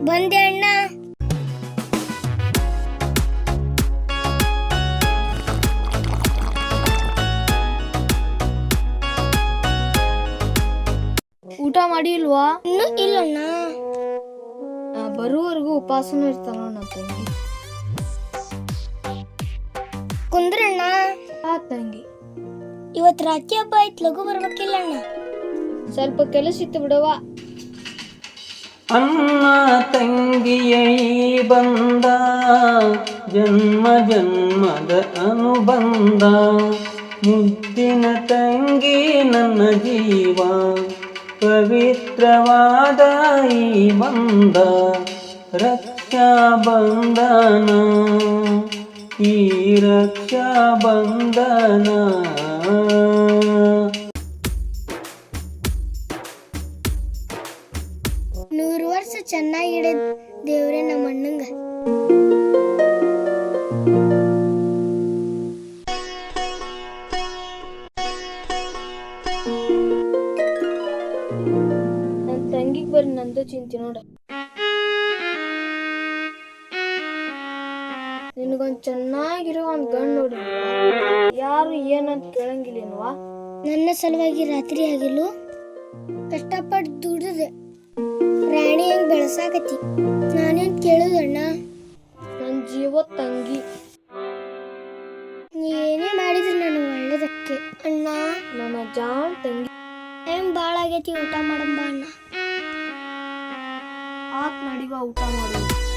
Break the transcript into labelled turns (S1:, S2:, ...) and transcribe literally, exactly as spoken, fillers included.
S1: ಬಂದೆ ಅಣ್ಣ.
S2: ಊಟ ಮಾಡಿಲ್ವಾ?
S1: ಇನ್ನೂ ಇಲ್ಲಣ್ಣ.
S2: ಬರುವವರೆಗೂ ಉಪವಾಸನೂ ಇರ್ತಾನ ನನ್ನ ತಂಗಿ.
S1: ಕುಂದ್ರಣ್ಣ.
S2: ಆ ತಂಗಿ,
S1: ಇವತ್ತು ರಾಖಿ ಹಬ್ಬ ಐತ್, ಲಘು ಬರ್ಬೇಕಿಲ್ಲ ಅಣ್ಣ?
S2: ಸ್ವಲ್ಪ ಕೆಲಸ ಇತ್ತು ಬಿಡವ.
S3: ಅಣ್ಣ ತಂಗಿಯ ಈ ಬಂದ ಜನ್ಮ ಜನ್ಮದ ಅನುಬಂಧ, ಮುದ್ದಿನ ತಂಗಿ ನನ್ನ ಜೀವ, ಪವಿತ್ರವಾದ ಈ ಬಂಧ, ರಕ್ಷಾ ಬಂಧನ ಈ ರಕ್ಷಾ ಬಂಧನ.
S1: ನೂರು ವರ್ಷ ಚೆನ್ನಾಗಿಡ ದೇವ್ರೆ ನಮ್ಮ ಅಣ್ಣಂಗ.
S2: ನನ್ನ ತಂಗಿಗೆ ಬರೀ ನಂದು ಚಿಂತೆ ನೋಡ. ನಿನಗೊಂದು ಚೆನ್ನಾಗಿರೋ ಒಂದು ಗಂಡು ನೋಡಿ, ಯಾರು ಏನಂತ ಕೇಳಂಗಿಲ್ಲೇನ್ವಾ?
S1: ನನ್ನ ಸಲುವಾಗಿ ರಾತ್ರಿ ಆಗಿಲ್ಲು ಕಷ್ಟಪಟ್ಟು ದುಡಿದೆ ರಾಣಿ ಹೆಂಗ್ ಬೆಳಸಾಕತಿ, ನಾನೇನ್ ಕೇಳುದಣ್ಣ?
S2: ನನ್ನ ಜೀವ ತಂಗಿ,
S1: ನೀ ಏನೇ ಮಾಡಿದ್ರು ನಾನು ಒಳ್ಳೇದಕ್ಕೆ ಅಣ್ಣ.
S2: ನನ್ನ ಜಾನ್ ತಂಗಿ.
S1: ಟೈಮ್ ಭಾಳ ಆಗೈತಿ, ಊಟ ಮಾಡಂಬ ಅಣ್ಣ.
S2: ಆತ್ ನಡಿವ ಊಟ ಮಾಡಿ.